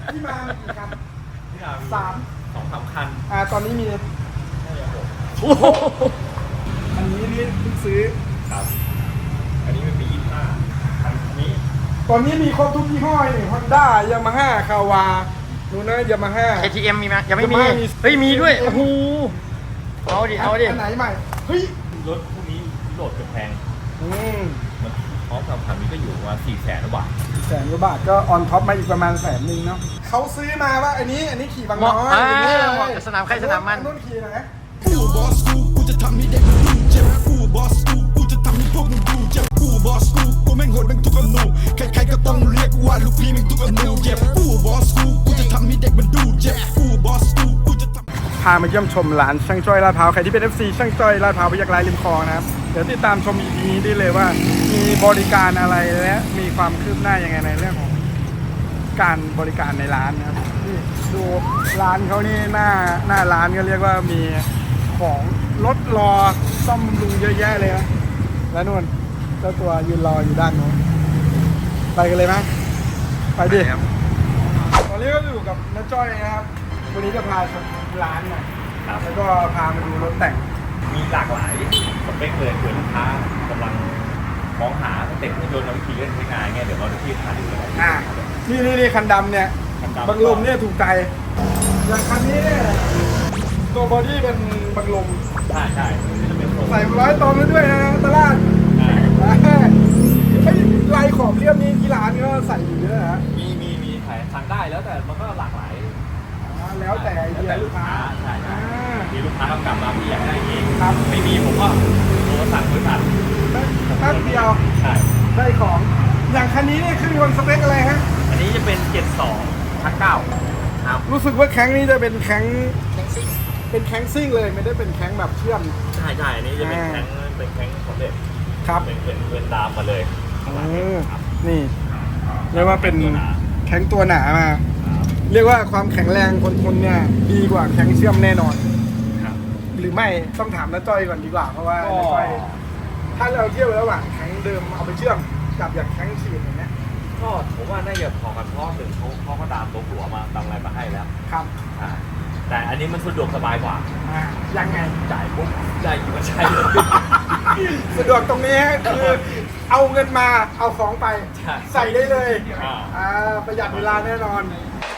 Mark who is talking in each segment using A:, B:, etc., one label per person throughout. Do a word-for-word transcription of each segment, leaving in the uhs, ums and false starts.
A: ที่มามีกี่คัน
B: ที่มามี
A: สาม
B: สองสามคัน
A: อ่าตอนนี้มี
B: น่าจะหก
A: อันนี้นี่เพิ่งซื้อ
B: ครับอันนี้มันมียี่สิบห้าคันนี้
A: ตอนนี้มีครบทุกยี่ห้อเลยฮอนด้ายามาฮ่าคาวาดูนะยามาฮ่า
C: เค ที เอ็ม มีไหมยังไม่มี
A: ยังไม่มี
C: เฮ้ยมีด้วยโอ้โหเอาดิเอาดิ
A: อันไหนใหม่เฮ้ย
B: รถพวกนี้โหลดจะแพง
A: อืม
B: มันพร้อมกับคันนี้ก็อยู่ประมาณสี่แสนกว่าบาท
A: แสนกว่าบาทก็ออนท็อปมาอีกประมาณแสนหนึ่งเนาะเขาซื้อมาว่าอันนี้อันนี้ขี่บาง
C: เหมาะ
A: น้อย
C: อ่า
A: อันนี้เลย
C: เหมาะกับสนามใครสนามมัน
A: รุ่นขี่นะ
D: กูบอสกูกูจะทำให้เด็กมันดูเจ็บกูบอสกูกูจะทำให้พวกมึงดูเจ็บกูบอสกูกูแม่งโหดแม่งทุกอนูใครๆก็ต้องเรียกว่าลูกพี่แม่งทุกอนูเจ็บกูบอสกูกูจะทำให้เด็กมันดูเจ็บกูบอสกูกูจะทำ
A: พามาเยี่ยมชมร้านช่างจ้อยลาดพร้าวใครที่เป็น เอฟ ซี ช่างจ้อยลาดพร้าวพยักร้ายริมคลองนะครับเดี๋ยวติดตามชม อี พี นี้ได้เลยว่ามีบริการอะไรและมีความคืบหน้ายังไงในเรื่องของการบริการในร้านนะครับนี่ดูร้านเขานี่หน้าหน้าร้านก็เรียกว่ามีของรถรอซ่อมบำรุงเยอะแยะเลยนะแล้วนู่นเจ้าตัวยืนรออยู่ด้านโน้นไปกันเลยไหมไปดิตอนนี้ก็อยู่กับน้าจ้อยนะครับวันนี้จะพาชมร้านหน่อย
B: ครับ
A: แล้วก็พามาดูรถแต่ง
B: มีหลากหลายสเปคเลยเผื่อลูกค้ากำลังมองหาสเต็ปเครื่องยนต์และวิธีเล่นใช้งานไงเดี๋ยวเราจะที่พาดูเลย
A: อ่านี่นี่นี่คันดำเนี่ย
B: คันดำ
A: บังลมเนี่ยถูกใจอย่างคันนี้เนี่ยตัวบอดี้เป็นบังลม
B: ใช่ใช่จะเป็นตัว
A: ใส่ร้อยตอนแล้วด้วยนะตลาด
B: ใช่
A: ไอ้ลายขอบเรียบนี้ที่ร้านก็ใส่อยู่เยอะฮะ
B: มีมีมีขายสั่งได้แล้วแต่มันก็หลากหลาย
A: อ่าแล้วแต่ไอเดียลูกค้า
B: ใช่ใช่
A: อ่า
B: มีลูกค้าต้องกลับมาพี่อยากได้เอง
A: ครับ
B: ไม่มีผมก็โทรสั่งบริษัท
A: แป๊บเดียว
B: ใช่
A: ได้ของ อย่างคันนี้เนี่ยเครื่องยนต์สเปคอะไรฮะ
B: อันนี้จะเป็นเจ็ดสองชักเก้าครับ
A: รู้สึกว่าแข้งนี้จะเป็นแข้งเป็นแข้งซิ่งเลยไม่ได้เป็นแข้งแบบเชื่อม
B: ใช่ใช่อันนี้จะเป็นแข้งเป็นแข้งสำเร็จ
A: ครับ
B: เป็นเป็นเป็นดามมาเลยข้างหลัง
A: อืม
B: ครับ
A: นี่เรียกว่าเป็น
B: ตัวหนา
A: แข้งตัวหนามา เรียกว่าความแข็งแรงคนทนเนี่ยดีกว่าแข้งเชื่อมแน่นอน
B: ครับ
A: หรือไม่ต้องถามน้าจ้อยก่อนดีกว่าเพราะว่า
B: ก็
A: น้าจ้อยถ้าเราเทียบระหว่างแข้งเดิมเอาไปเชื่อมกับอย่างแข้งฉีดอย่างเงี้ย
B: ก็ผมว่าน่าจะพอกันเพราะหนึ่งเขาเขาก็ดามตัวหัวมาดามอะไรมาให้แล้ว
A: ครับ
B: อ่าแต่อันนี้มันสะดวกสบายกว่า
A: อ่ายังไง
B: จ่ายปุ๊บได้อยู่ก็ใช้เลย
A: สะดวกตรงนี้คือเอาเงินมาเอาของไป
B: ใช่
A: ใส่ได้เลย
B: อ่า
A: อ่าประหยัดเวลาแน่นอน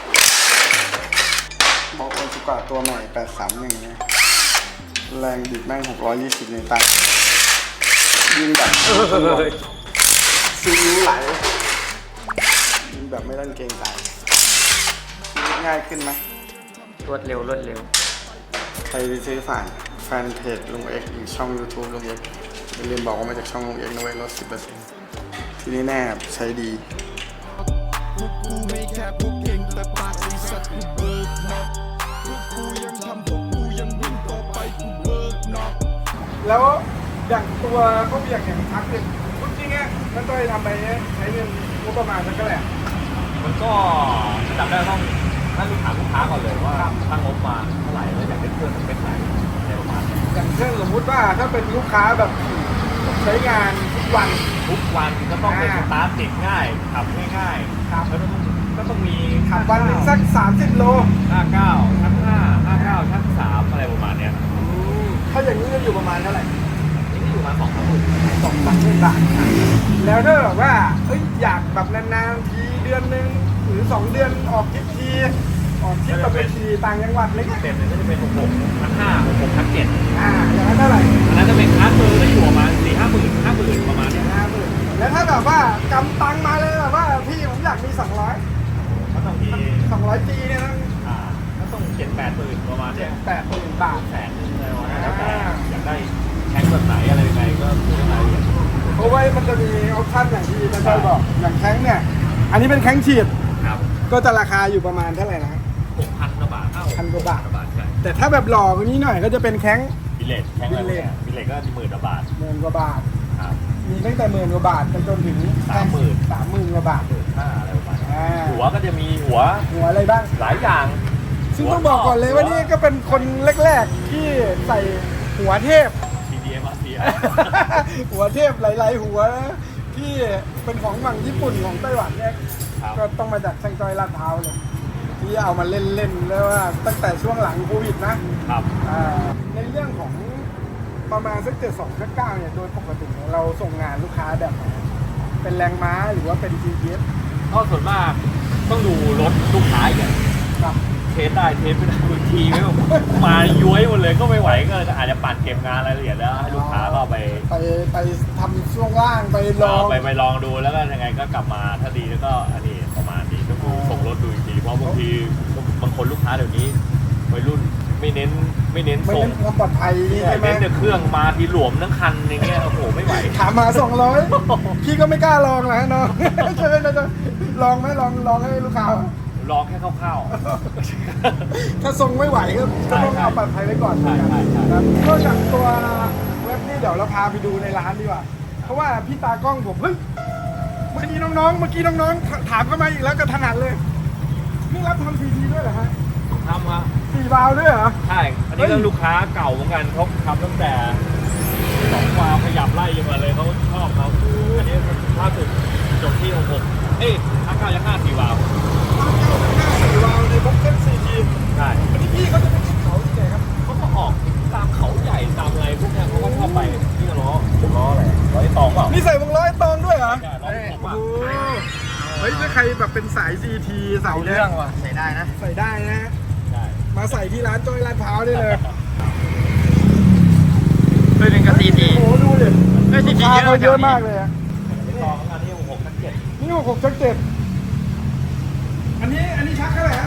A: บอกโอซุกะตัวใหม่แปดสามหนึ่งเนี่ยแรงบิดแม่งหกร้อยยี่สิบนิวตันยิงแบบซีอิ๊วไหลยิงแบบไม่ต้องเกรงใจง่ายขึ้นไหม
C: รวดเร็วรวดเร็ว
A: ใครที่ซื้อผ่านแฟนเพจลุงเอ็กซ์หรือช่อง YouTube ลุงเอ็กซ์อย่าลืมบอกว่ามาจากช่องลุงเอ็กซ์นะเว้ยลด สิบเปอร์เซ็นต์ ที่นี่แน่ใช้ดี
D: พวกกูไม่แค่พวกเก่งแต่ปากไอ้สัตว์กูเบิกเนาะพวกกูยังทำพวกกูยังวิ่งต่อไปกูเบิกเนาะ
A: แล้วอย่างตัวเขาเบียกอย่างทักหนึ่งพูดจริงๆนั่นต้อยทำไปเนี่ยใช้เงินงบประมาณสักเท่าไหร่
B: มันก็จับได้ต้องนั่นลูกถามลูกค้าก่อนเลยว่าตั้งงบมาเท่าไหร่แล้วอยากได้เครื่องสเปคไหนอะไรประมาณนี้
A: อย่างเช่นสมมุติว่าถ้าเป็นลูกค้าแบบใช้งานทุกวัน
B: ทุกวันก็ต้องเป็น
A: อ่า
B: สตาร์ทติดง่ายขับง่ายๆ
A: ครับ
B: แล้วก็ต้องก็ต้องมี
A: ขับวันหนึ่งสักสามสิบโล
B: ห้าเก้าชั้นห้าห้าเก้าชั้นสามอะไรประมาณเนี้ย
A: ถ้าอย่างนี้จะอยู่ประมาณเท่าไหร่
B: นี่ก็อยู่ประมาณสองสามหมื่น
A: สองสามหมื่นบาทแล้วถ้าแบบว่าเอ้ยอยากแบบนานๆทีเดือนหนึ่งหรือสองเดือนออกทริปทีออกทริปแบบไปทีต่างจังหวัดเล็ก
B: เต็มเลยก็จะเป็นหกหกชั้นห้าหกหกชั้นเจ็ด
A: อ่าอย่างนั้นเท่าไหร่
B: อันนั้นจะเป็นคลาสเบอร์ก็อยู่ประมาณสี่ห้าหมื่นห้าหมื่นประมาณเนี้ย
A: ห้าหมื่นแล้วถ้าแบบว่ากำตังมาเลยแบบว่าพี่ผมอยากมีสองร้อย
B: ก็ต้องมี
A: สองร้อยจีเนี่ยนะ
B: อ่าก็ต้องเจ็ดแปดหมื่นประมาณเนี้ย
A: แปดหมื่นบาท
B: แสนหนึงอะไรประมาณนั้นแล้วแต่อยากได้แข็งแบบไหนอะไรยังไงก็พูดรายละเอียด
A: เพราะว่ามันจะมีออปชั่นอย่างที่ท่านได้บอกอย่างแข้งเนี่ยอันนี้เป็นแข้งฉีด
B: ครับ
A: ก็จะราคาอยู่ประมาณเท่าไหร่นะ
B: หกพันกว่าบาทเอ้า
A: พันกว่าบาท
B: บาทใช่
A: แต่ถ้าแบบหล่อกว่านี้หน่อยก็จะเป็นแข้ง
B: บิลเลตแข็งอะไรเนี่ยบิลเลตก็หมื่นกว่าบาท
A: หมื่นกว่าบาท
B: ครับ
A: มีตั้งแต่หมื่นกว่าบาทไปจนถึง
B: สามหมื่น
A: สามหมื่นกว่าบาท
B: หมื่นห้าอะไรประมาณนี้
A: อ่า
B: หัวก็จะมีหัว
A: หัวอะไรบ้าง
B: หลายอย่าง
A: ซึ่งต้องบอกก่อนเลยว่านี่ก็เป็นคนแรกๆที่ใส่หัวเทพ
B: ทีดีเอ็มอาร์ซี
A: หัวเทพหลายๆหัวที่เป็นของฝั่งญี่ปุ่นของไต้หวันเนี่ย
B: ครับ
A: ก็ต้องมาจากช่างจอยลาดพร้าวเลยที่เอามาเล่นๆแล้วว่าตั้งแต่ช่วงหลังโควิดนะครับ อ่าในเรื่องของประมาณสักเจ็ดสองเก้าเนี่ยโดยปกติเราส่งงานลูกค้าแบบไหนเป็นแรงม้าหรือว่าเป็น จี พี เอส
B: ก็ส่วนมากต้องดูรถลูกค้าอย่าง
A: ครับ
B: เทสได้เทสไม่ได้บางทีไม่มาย้วยหมดเลยก็ไม่ไหวก็อาจจะปั่นเก็บงานรายละเอียดแล้วให้ลูกค้าก็ไป
A: ไปไปทำช่วงล่างไปลอง
B: ไปไปลองดูแล้วก็ยังไงก็กลับมาถ้าดีแล้วก็อันนี้ประมาณนี้ก็คือส่งรถดูอีกทีเพราะบางทีบางคนลูกค้าเดี๋ยวนี้วัยรุ่นไม่เน้นไม่เน้น
A: ไม่
B: ส่ง
A: เน้นความปลอดภัยนี่ใช่ไหม
B: เน้นแต่เครื่องมาทีหลวมทั้งคันอย่างเงี้ยโอ้โหไม่ไหว
A: ถามมาสองร้อยพี่ก็ไม่กล้าลองนะน้อง ใช่ไหมนะจ๊ะลองไหมลองลองให้ลูกค้า
B: ลองแค่คร่าว
A: ถ้าทรงไม่ไหวก็ก็ต้อง
B: ใช่
A: เอาปลอดภัยไว้ก่อน
B: ใช่ใช่ใช่
A: นะครับนอกจากตัวเว็บนี่เดี๋ยวเราพาไปดูในร้านดีกว่า เพราะว่าพี่ตากล้องผมเฮ้ยเมื่อกี้น้องๆ เมื่อกี้น้องๆ ถามเข้ามาอีกแล้วก็ถนัดเลย นี่รับทำซีทีด้วยเหรอฮะ
B: ๆทำครับ
A: สี่วาล์วด้วยเหรอ
B: ใช่อันนี้ก็ลูกค้าเก่าเหมือนกันเขาทำตั้งแต่สองวาล์วขยับไล่ยังมาเลยเขาชอบเขาอันนี้ล่าสุดจบที่หกหกเอ้ยห้าเก้ายังห้าสี่วาล์ว
A: สี่วาล์วในบ็อกเก็ตซีที
B: ใช่
A: อันนี้พี่เขาจะเป็นเขาที่ไหนครับ
B: เขาก็ออกตามเขาใหญ่ตามอะไรพวกเนี้ยเขาก็ชอบไปนี่ก็ล้อล้ออะไรล้อไอ้ตองเปล่า
A: นี่ใส่วงล้อไอ้ตองด้วยเหรอ
B: ใช่ล้อผม
A: โอ้
B: อ่ะ
A: โหเฮ้ยถ้าใครแบบเป็นสายซีทีใส่
C: เอา
A: เนี่
C: เรื่
A: ย
C: องว่ะใส่ได้นะ
A: ใส่ได้นะฮะ
B: ใช่
A: มาใส่ที่ร้านจ้อยลาดพร้าวได้เลย
C: เฮ้ยหนึ่งกับซีที
A: โอ้โหดูดิ
C: เฮ้ยซีที
A: ราคา
C: เยอะ
A: เขาเยอะ
C: แถวนี้
A: มากเลยอะ
B: ไอ้ตองอันนี้หกหกทั้งเจ็ด
A: นี่หกหกชักเจ็ดอันนี้อันนี้ชักเท่าไหร่ฮะ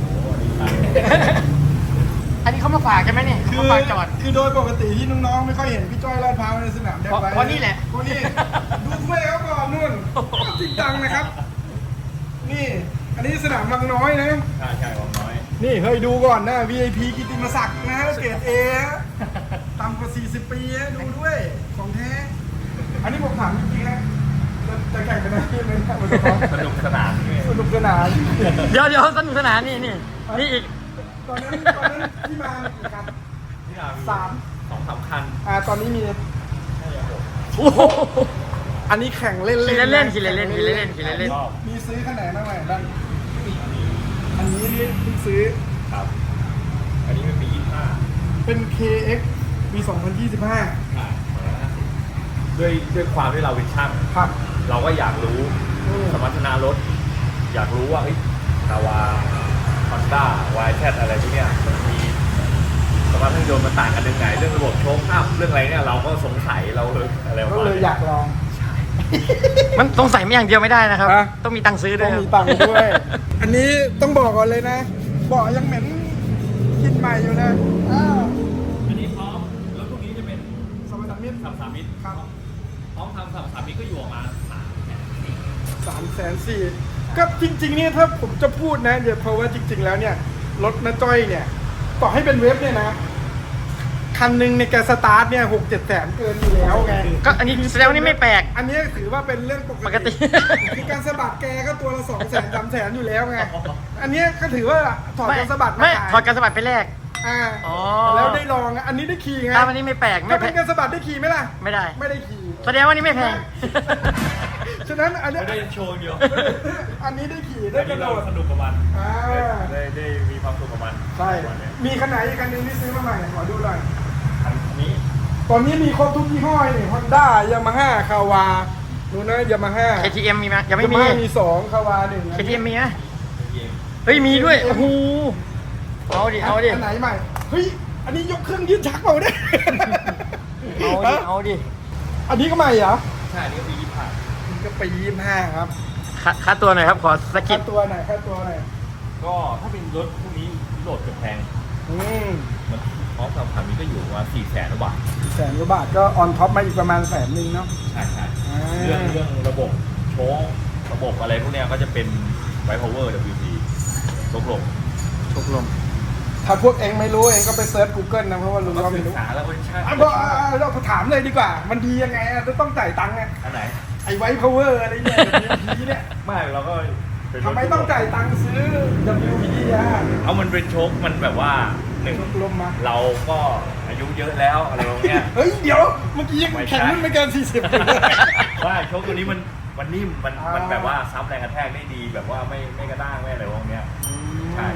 C: อันนี้เขามาฝากใช่ไหมเนี่ยเขามาฝากจอด
A: คือโดยปกติที่น้องๆไม่ค่อยเห็นพี่จ้อยลาดพร้าวในสนามแดง
C: เพราะ
A: ไว้
C: เพราะนี่แหละ
A: เพราะนี่ดูถ้วยเขาก่อนนู่นจริงจังนะครับ นี่ อันนี้สนามบางน้อยนะ
B: ใช่ใช่ของน้อย
A: นี่เฮ้ยดูก่อนนะ วี ไอ พี กิตติมศักดิ์นะเกรดเอต่ำกว่าสี่สิบปีนะดูด้วย ของแท้ อันนี้ผมถามจริงๆนะจะจะแข่งกันได้ไหมเนี่ยมันจะพร้อม
B: สนุกสนานนี่
A: สนุกสนาน
C: เดี๋ยวเดี๋ยวสนุกสนานนี่นี่นี่อีก
A: ตอนนั้นตอนนั้นที่มากี่คัน
B: ที่เรา
A: สาม
B: สองสามคัน
A: อ่าตอนนี้มี
B: น่าจะหก
C: โอ้โห
A: อันนี้แข่งเล่นๆ
C: ขี่เล่นๆ
A: ะ
C: ขี่เล่นๆขี่เล่นๆขี่เล่น
B: รอบ
A: มีซื้อขนาดบ้างไหมบ้างอันนี้นี่เพิ่งซื้อ
B: ครับ อันนี้มันมียี่สิบห้า
A: เป็น เค เอ็กซ์ ปี สองพันยี่สิบห้า
B: ใช่ด้วยด้วยความที่เราเป็นช่าง
A: ครับ
B: เราก็อยากรู้
A: อืม
B: สมรรถนะรถ อยากรู้ว่าเฮ้ยนาวาฮอนด้าวายแคทอะไรพวกเนี้ยมันมีสมรรถนะยนต์มันต่างกันยังไงเรื่องระบบโชคอัพเรื่องอะไรเนี่ยเราก็สงสัยเราเลยอะไรประ
A: ก็
B: มาณ
A: เลย
B: นี้
A: อยากลอง
C: มันต้องใส่ไม่อย่างเดียวไม่ได้นะครับ
A: ฮะ
C: ต้องมีตังค์ซื้อด้
A: ต้
C: ว
A: อย ง
C: ครับ
A: มีตังค์ด้วย อันนี้ต้องบอกก่อนเลยนะเบาะยังเหม็นกินใหม่อยู่เลยอ้าว
B: อันนี้พร้อมแล้วพวกนี้จะเป็น
A: สมรรถมิตร
B: สามสามมิตร
A: ครับ
B: พร้อมทำสามสามมิตรก็อยู่ประมาณสามแสนสี่
A: สามแสนสี่ก็จริงๆเนี่ยถ้าผมจะพูดนะเดี๋ยวเพราะว่าจริง ๆ แล้วเนี่ยรถน้าจ้อยเนี่ยต่อให้เป็นเว็บเนี่ยนะคันหนึ่งในยแกสตาร์ทเนี่ยหกเจ็ดแสนเกินอยู่แล้วไง
C: ก็อันนี้แสดงว่านี่ไม่แปลก
A: อันนี้ถือว่าเป็นเรื่องปก
C: ปกติ
A: คือการสะบัดแกก็ตัวละสองแสนสามแสนอยู่แล้วไง อันนี้ก็ถือว่าถอด
C: ไม่
A: การสะบัดมา
C: ไม่
A: ขาย
C: ถอดการสะบัดไปแรก
A: อ่า
C: อ๋อ
A: แล้วได้ลองอ่ะอันนี้ได้ขี่ไง
C: ถ้าวันนี้ไม่แปลกไม่
A: ถ้า
C: แพ
A: เป็น
C: ง
A: การสะบัดได้ขี่ไหมล่ะ
C: ไม่ได้
A: ไม่ได้ขี่
C: แสดงว่านี่ไม่แพง
A: ฉะนั้นอันนี้
B: ไม่ได้โชว์เดียว
A: อันนี้ได้ขี่ได้
B: ได้
A: กระโด
B: เรา
A: ด
B: สนุกกับมัน
A: อ่า
B: ได้ได้มีความสุขกับมัน
A: ใช่
B: ประมาณเนี้ย
A: มีคันไหนอีกคันหนึงที่ซื้อมาใหม่ขอดูหน่อย
B: คันนี้
A: ตอนนี้มีครบทุกยี่ห้อนี่ฮอนด้ายามาฮ่าคาวาดูนะยามาฮ่า
C: เค ที เอ็ม มีไหมยังไม่มี
A: มีสองคาวาหนึ่ง
C: เค ที เอ็ม มีไหม
B: เกม
C: เฮ้ยมีด้วย โอ้โห เอาดิ เอาดิ
A: อันไหนใหม่ เฮ้ย อันนี้ยกเครื่องยืดชักเปล่าเนี่ย
C: เอาดิ เอาดิ
A: อันนี้ก็ใหม่เหรอ
B: ใช่อันนี้ก็มียี่สิบห้า
A: มันก็ปียี่ห้าครับ
C: ค่าค่าตัวหน่อยครับ ขอสกิ
A: ค่า
C: ป
A: ตัวหน่อยค่าตัวหน่อย
B: ก็ถ้าเป็นรถพวกนี้โหลดจะแพง
A: อืม
B: มันพร้อมกับคันนี้ก็อยู่ประมาณสี่แสนกว่าบาท
A: แสนกว่าบาทก็ออนท็อปมาอีกประมาณแสนหนึ่งเนาะ
B: ใช่ใช่
A: อ่า
B: เรื่องเรื่องระบบโชว์ระบบอะไรพวกเนี้ยก็จะเป็นไวท์พาวเวอร์ ดับเบิลยู ที ตกลง
C: ตกลง
A: ถ้าพวกเองไม่รู้เองก็ไปเซิร์ช Google นะเพราะว่าลุง
B: ก็
A: ก็
B: ศึ
A: ไม่
B: ก
A: รู้
B: ษาแล้วก็ใช่
A: อ่ะบอกอ่ะเราถามเลยดีกว่า มันดียังไงอ่ะจะต้องจ่ายตังค์อ่ะ
B: อันไหน
A: ไอ้ไวท์พาวเวอร์อะไรเนี่ย ดับเบิลยู พี เนี่ย
B: ไม่เราก็เป็นรถ
A: ทำไมต้องจ่ายตังค์ซื้อ ดับเบิลยู พี อ่ะ
B: เอามันเป็นโชคมันแบบว่าหนึ่ง
A: ลมมา
B: เราก็อายุเยอะแล้วอะไรพวกเนี้ย
A: เฮ้ย เดี๋ยว เมื่อกี้ยัง
B: ไม่ใช่
A: แข่งรุ่นไม่เกิน สี่สิบเลย
B: ว่าโชคตัวนี้มันมันนิ่มมัน
A: อ่ามั
B: มันแบบว่าซับแรงกระแทกได้ดีแบบว่าไม่ไม่กระด้างไม่อะไรพวกเนี้ยใช่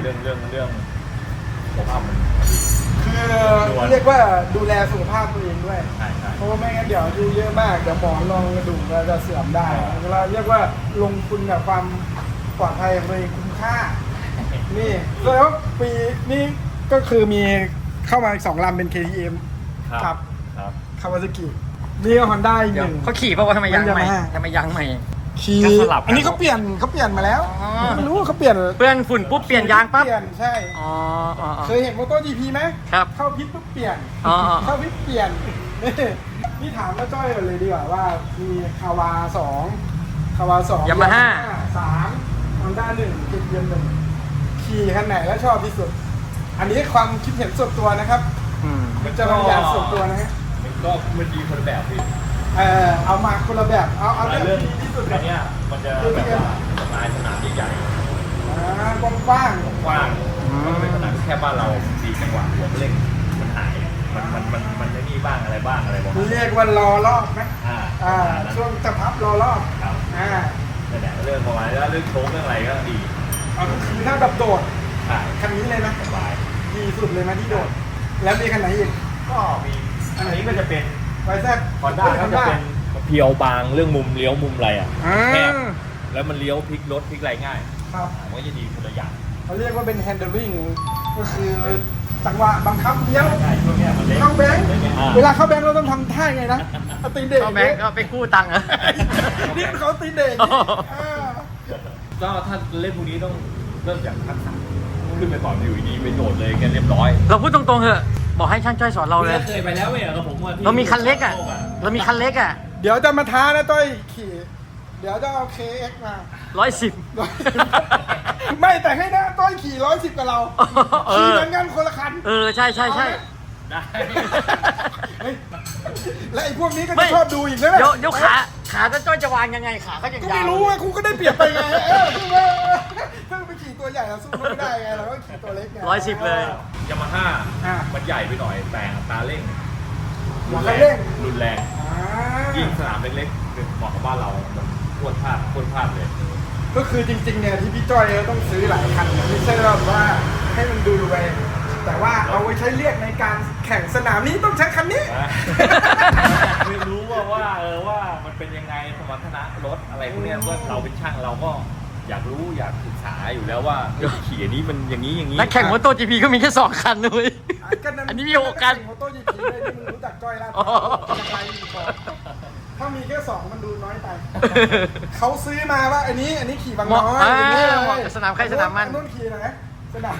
B: เรื่องเรื่องเรื่องสุขภาพมันดี
A: คือเรียกว่าดูแลสุขภาพตัวเองด้วย
B: ใช่ใช่
A: เพราะว่าไม่งั้นเดี๋ยวอายุเยอะมากเดี๋ยวหมอนรองกระดูกเราจะเสื่อมได้เราเรียกว่าลงทุนกับความปลอดภัยของตัวเองคุ้มค่า นี่แล้วปีนี้ก็คือมีเข้ามาอีกสองลำเป็น เค ที เอ็ม
B: ครับครับ
A: คาวาซากินี่ก็ฮอนด้าอีก
C: เดี๋
A: ห
C: ยว
A: นึ่ง
C: เขาขี่เพราะว่าทำไมยังใหม่
A: มันจะมา
C: ทำไมยังใหม่
A: ขี่
B: ก็สลับกัน
A: อันนี้เขาเปลี่ยนเขาเปลี่ยนมาแล้ว
C: อ๋อ
A: ไม่รู้ว่าเขาเปลี่ยน
C: เพื่อนฝุ่นปุ๊บเปลี่ยนยางปั๊บ
A: เปลี่ยนใช่
C: อ๋ออ๋ออ๋อ
A: เคยเห็นโมโต้จีพีไหม
C: ครับ
A: เข้าพิษปุ๊บเปลี่ยน
C: อ๋ออ๋อ
A: เข้าพิษเปลี่ยน นี่นี่ถามมาจ้อยก่อนเลยดีกว่าว่ามีคาวาสองคาวาสอง
C: ยามาฮ่า
A: สามฮอนด้าหนึ่งเกียร์หนึ่งขี่คันไหนแล้วชอบที่สุด อันนี้ความคิดเห็นส่วนตัวนะครับ
C: อืม
A: มันจะบางอย่างส่วนตัวนะฮะ
B: มันก็มันดีคนละแบบพี่
A: เออเอามาคนละแบบเอาเอา
B: แต่
A: เรื่อง
B: เรื่อง
A: ที่ที่สุด
B: อันเนี้ยมันจะแบบว่าสไตล์สนามใหญ่
A: อ่ากว้าง
B: ๆกว้างๆมันเป็นสนามแค่บ้านเราดีจังหวะหัวเร่งมันหายมันมันมันมันไม่นี่บ้างอะไรบ้างอะไรบ้าง
A: ๆเรียกว่ารอรอบไหม
B: อ่า
A: อ่า
B: นั้น
A: ช่วงจะพับรอรอบ
B: ครับ
A: อ่า
B: นั่นแหละเรื่องประมาณนี้แล้วเรื่องโชว์เรื่องอะไรก็ดี
A: เอาคือถ้าแบบโดด
B: ใช่
A: คันนี้เลยนะ
B: สบาย
A: ดีสุดเลยไหมที่โดด แล้วมีคันไหนอีก
B: ก็มีอันนี้ก็จะเป็น
A: ไวแซด
B: ฮอนด้าก็จะเป็นเพียวบางเรื่องมุมเลี้ยวมุมอะไรอ่ะ
A: อ่า
B: แคบแล้วมันเลี้ยวพลิกรถพลิกอะไรง่าย
A: ครับ
B: มันก็จะดีคนละอย่าง
A: เขาเรียกว่าเป็น handling ก็คือจังหวะบังคับเลี้ยว
B: ใช่ช่วงเนี้ยมันเล็ก
A: เข้าแบงค์
B: อ่
A: เวลาเข้าแบงค์เราต้องทำท่าไงนะเอาตีนเด็ก
C: ก็แบงก์ก็ไปกู้ตังค์เหรอ
A: นี่เขาตีนเด็ก
C: อ๋อ
A: อ่า
B: ก็ถ้าเล่นพวกนี้ต้องเริ่มจากทักษะขึ้นไปก่อนอยู่ดีๆไปโดดเลยกันเรียบร้อย
C: เราพูดตรงๆเถอะ บอกให้ช่างจ้อยสอนเราเลย
B: เคยไปแล้วเว้ยกับผมว่าที่
C: เรามีคันเล็กอ่ะ เรามีคันเล็กอ่ะ
A: เดี๋ยวจะมาท้านะต้อยขี่ เดี๋ยวจะเอา เค เอ็กซ์มา
C: ร้อยสิบ
A: ไม่แต่ให้นะต้อยขี่ร้อยสิบกับเรา
C: เอ
A: ขี่
C: อ
A: เหมือนกันคนละคัน
C: เออ ใช่ใช่ใช่
B: ได้
A: เฮ้ยและไอ้พวกนี้ก็
C: ไม่
A: จะชอบดูอีกนะ
C: เดี๋ยวเดี๋ยวขาขาจะจ้อยจะวางยังไงขาก็ยัง
A: ก็
C: ยา
A: ไม่
C: ว
A: รู้ไงกูก็ได้เปรียบไปไงเออสู้ว่าถ้าไปขี่ตัวใหญ่เราสู้เขาไม่ได้ไงเราก็ขี่ตัวเล็กไง
C: ร้อยสิบเลย
B: ยามาฮ่า
A: อ่ะ
B: มันใหญ่ไปหน่อยแต่อัตราเร่ง
A: หัวคันเร่ง
B: รุนแรง
A: อ่า
B: ยิ่งสนามเล็กๆเหมาะกับบ้านเรา มันพรวดพลาดพรวดพลาดเลย
A: ก็คือจริงๆเนี่ยที่พี่จ้อยต้องซื้อหลายคันไม่ใช่แบบว่าให้มันดูรวยแต่ว่าเอาไว้ใช้เรียกในการแข่งสนามนี้ต้องใช้คันนี้
B: ไม่รู้ว่าว่าเออว่ามันเป็นยังไงสมรรถนะรถอะไรพวกเนี้ยว่าเราเป็นช่างเราก็อยากรู้อยากศึกษาอยู่แล้วว่าเฮ้ยขี่อันนี้มันอย่างนี้อย่างนี้
C: นักแข่งมอเตอร์จีพีก็มีแค่สองคันเลย อันนี้มีหกคัน
A: โมโต้ยีพีเลยที่มึงรู้จักจ้อยแล้ว
C: อ๋อ
A: จากไลน์รีพอร์ตถ้ามีแค่สองมันดูน้อยไป เขาซื้อมาว่าอันนี้อันนี้ขี่บางน้อย
C: เหมาะ
A: อย่างนี้เลย
C: เหมาะกับสนามใครสนามมัน
A: อันู่นขี่ไหนสนาม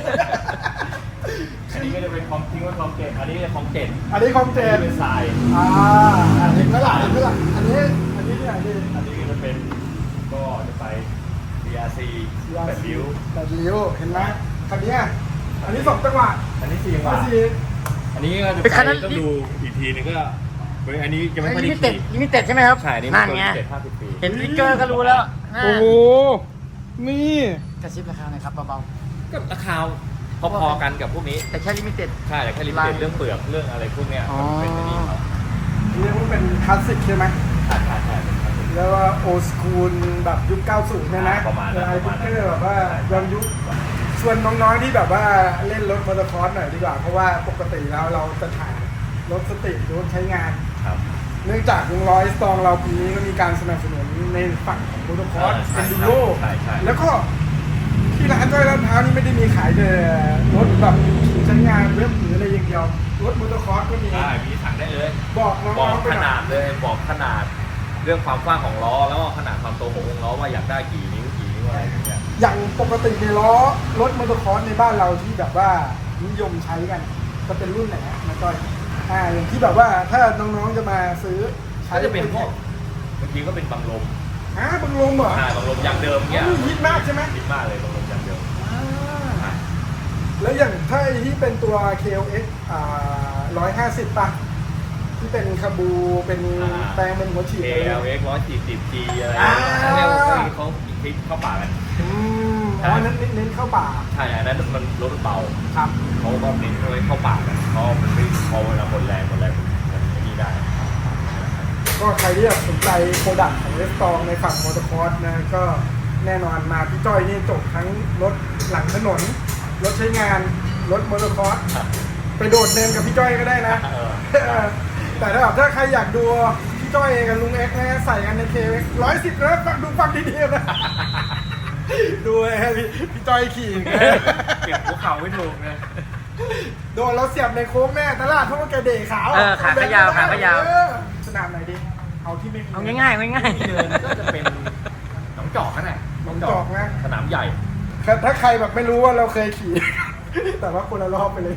B: อันนี้ก็จะเป็นคอมทิ้งไว้คอมเจ็ดอันนี้เป็นคอมเจ็ด
A: อันนี้คอมเจ
B: อัน
A: น
B: นี้เป็นทราย
A: อ่าเห็นไหมล่ะเห็นไหมล่ะอันนี้อันนี้ที่ไหนดี
B: อันนี้ก็จะเป็นก็จะไป บี อาร์ ซี แบบริ้ว
A: แบบริ้วเห็นไหมคันเนี้ยอันนี้สองจังหวะ
B: อันนี้สี่จังห
A: อั
B: วะ
A: นนี้
B: อันนี้ก็จะ
C: เป็นคันนั้น
B: ไปต้องดูอีกทีนึงก็เฮ้ยอันนี้ยังไม่ค่อย
C: ลิ
B: ได้
C: มิเต็ด
B: ขี่
C: ลิมิเต็ดใช่ไหมครับ
B: ใช่อันนี่
C: นั่นไง
B: เจ็ดห้าสิบปี
C: เห็นวิกเกอร์ก็รู้แล้ว
A: โอ้โหนี่
C: กระซิบราคาหน่อยครับเบา
B: ก็ราคาพอๆกันกับพวกนี้
C: ๆ แต่แค่ลิมิเต็ด
B: ใช่แต่แค่ลิมิเต็ดเรื่องเปลือกเรื่องอะไรพวกเนี้ย
C: อ๋อ
B: มันเป็นอันนี้เขา
A: เรียกว่าเป็นคลาสสิกใช่ไหม
B: ใช่ใช่ใช่เป็นคลาสสิก
A: แล้วว่าโอสคูลแบบยุคเก้าสิบเนี่ยนะ
B: ประมาณนั้น
A: ไอ้
B: ประ
A: พิ
B: มาณนั้น
A: กเกอร์แบบว่าย้อนยุคชวนน้องๆที่แบบว่าเล่นรถมอเตอร์คอร์สหน่อยดีกว่า เพราะว่าปกติแล้วเราจะถ่ายรถสตรีทรถใช้งาน
B: ครับ
A: เนื่องจากวงร้อยสตองเราปีนี้ก็มีการสนับสนุนในฝั่งของมอเตอร์คอร์ส
B: ใช่
A: เป็นดูโร
B: ใช่ใช่
A: แล้วก็ที่ร้านจ้อยลาดพร้าวนี่ไม่ได้มีขายแต่รถแบบใช้งานเว็บหรืออะไรอย่างเดียวรถมอเตอร์คอร์สก็มี
B: ได้มีถังได้เลย
A: บอกน้
B: บอ
A: อก งๆไป
B: ข
A: หน่
B: นา
A: อ
B: ด
A: ย
B: เลยบอกขนาดเรื่องความกว้างของล้อแล้วก็ขนาดความโตของวงล้อว่าอยากได้กี่นิ้วกี่นิ้วอะไรอย่างเงี้ย
A: อย่างปกติในล้อรถมอเตอร์คอร์สในบ้านเราที่แบบว่านิยมใช้กันจะเป็นรุ่นไหนฮะนะจ้อยอ่าอย่างที่แบบว่าถ้าน้องๆจะมาซื้อใช้
B: ก็จะเป็นพวกบางทีก็เป็นบังลม
A: อ่าบังลมเหรอ
B: อ่าบังลมยางเดิมเงี้ย
A: อ๋อฮิตมากใช่ไหม
B: ฮิตมากเลยบังลมยางเดิม
A: อ่า
B: อ่า
A: แล้วอย่างถ้าไอ้ที่เป็นตัว เค แอล เอ็กซ์ อ่าร้อยห้าสิบป่ะที่เป็นคาบูเป็นแปลงเป็นหัวฉีด
B: เค
A: อะไร
B: แอล
A: เนี่ย
B: เอ็กซ์ร้อยสี่สิบจีอะไร
A: อ่า
B: เนี่ยเขาคลิกเข้าป่ากัน
A: อืมอ๋อนั้นเน้นเข้าป่า
B: ใช่อันนั้นมันรถเบา
A: ครับ
B: เขาก็เน้นเอาไว้เข้าป่ากันเพราะมันไม่พอเวลาหมดแรงหมดแรงมันไม่นี่ได้
A: ก็ใครที่แบบสนใจโปรดักต์ของเวสตองในฝั่งมอเตอร์คอร์สนะก็แน่นอนมาพี่จ้อยนี่จบทั้งรถหลังถนน รถใช้งาน รถมอเตอร์คอร์สไปโดดเดินกับพี่จ้อยก็ได้นะ แต่ถ้าแบบถ้าใครอยากดูพี่จ้อยกับลุงเอ็กซ์นะใส่กันในเคร้อยสิบนะฟังดูฟังดีๆนะ ดูไอ้พี่พี่จ้อยขี่ไง
B: เก็บหัวเข่าไม่ถูกไง
A: โดนเราเสียบในโค้งแน่ตลาดเพราะว่าแกเดะขาว
C: เออขาก็ยาวขาก็ยาว
A: เออสนามไหนดิเอาที่ไม่
C: เอาง่ายๆง่าย
B: ที่เดินก็จะเป็นหนองจอกนั่นแหละ
A: หนองจอกนะ
B: สนามใหญ่
A: ถ้าใครแบบไม่รู้ว่าเราเคยขี่ แต่ว่าคนละรอบไปเลย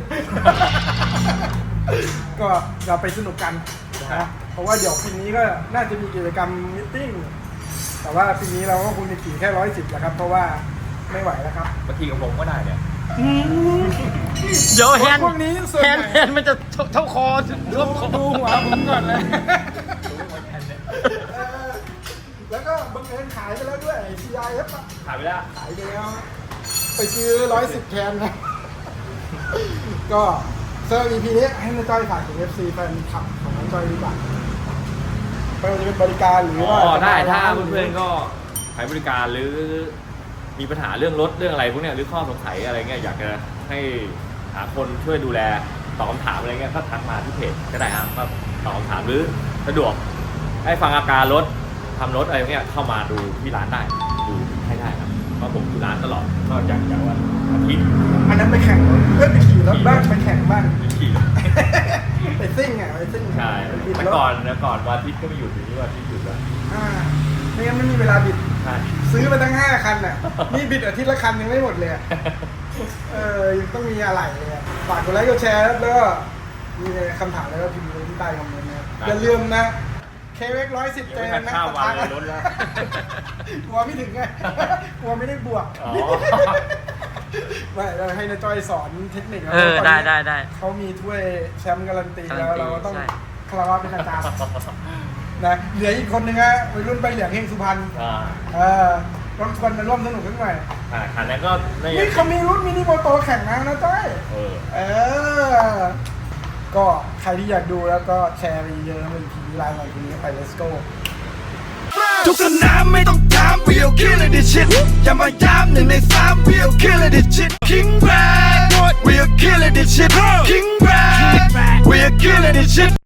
A: ก็เราไปสนุกกันนะเพราะว่าเดี๋ยวปีนี้ก็น่าจะมีกิจกรรมมิทติ้งแต่ว่าปีนี้เราก็คงจะขี่แค่ร้อยสิบแหละครับ เพราะว่าไม่ไหวแล้วครับ
B: บางทีกับผมก็ได้เนี่ย
C: ๆเดี๋ยวแฮนด์
A: พวกนี้ส่วน
C: แฮ
A: ให
C: น
A: ญ่
C: ด์แฮนด์มันจะเท่าคอร่วมคอ
A: ดูหัวผมก่อนเลย เออแล้วก็บังเอิญขายไปแล้วด้วย ซี ไอ เอฟ อะ
B: ขายไปแล้ว
A: ขายไปแล้วไปซื้อร้อยสิบแคนนะ ก็เซอร์ อี พี นี้ให้น้าจ้อยฝากถึง เอฟ ซี แฟนคลับของน้าจ้อยดีกว่าไม่ว่าจะเป็นบริการหรือ
B: อ๋
A: ว่า
B: อได้ถ้า
A: จะม
B: เพื่อนๆก็ขายบริการหรือมีปัญหาเรื่องรถเรื่องอะไรพวกเนี้ยหรือข้อสงสัยอะไรเงี้ยอยากจะให้หาคนช่วยดูแลตอบคำถามอะไรเงี้ยก็ทักมาที่เพจก็ได้ครับก็ตอบคำถามหรือสะดวกให้ฟังอาการรถทำรถอะไรเงี้ยเข้ามาดูที่ร้านได้ดูให้ได้ครับเพราะผมอยู่ร้านตลอดก็อยากจะว่าอาทิตย์
A: อันนั้นไปแข่งรถเพื่อนไปขี่รถบ้างไปแข่งบ้าง
B: ขี่
A: ไปซิ่งอ่ะไปซิ่ง
B: ใช่
A: ไปบิด
B: แต่
A: รถ
B: ก่อนนะก่อนวันอาทิตย์ก็ไม่หยุดอยู่ที่วันอาทิตย์หยุดแล้ว
A: อ่าไม่งั้นไม่มีเวลาบิด
B: ใช่
A: ซื้อมาตั้งห้าคันอ่ะ นี่บิดอาทิตย์ละคันยังไม่หมดเลยอะเออยังต้องมีอะไรเลยอะฝากกดไลค์กดแชร์แล้วก็มีคำถามแล้วก็พิมพ์ไว้ที่ใต้คอมเมนต์นะครับอย่าลืมนะเคเวกร้อยสิบ
B: ยัง
A: เจ
B: ไม่
A: น
B: ทัน
A: นะ
B: ข้าววันเลยรถแล้ว
A: กลัวไม่ถึงไง กลัวไม่ได้บวก
B: อ๋อ
A: ไม่เราให้นาจ้อยสอนเทคนิค
C: เออได้ได้ได้
A: เขามีถ้วยแชมป์การันตีแล้ว
C: การันตี
A: เราก็ต้อง
C: ใช่
A: คารวะเป็นทางการนะเหลืออีกคนนึงฮะวัยรุ่นใบเหลียงเฮงสุพรรณ
B: อ่า
A: เออต้องชวนมาร่วมสนุกกันหน่อย
B: อ่าคันนั้นก็ใน
A: นี่เขามีรุ่นมินิโมโตแข่งนะนะจ้อย
B: เออ
A: เออ ก็ใครที่อยากดูแล้วก็แชร์ไปเยอะๆเป็นทีวีไลน์หน่อยทีนี้ไป let's go
D: ทุกสนามไม่ต้องถาม we'll kill it this shit อย่ามาย้ำหนึ่งในสาม we'll kill it this shit King Brad we'll kill it this shit King Brad we'll kill it this shit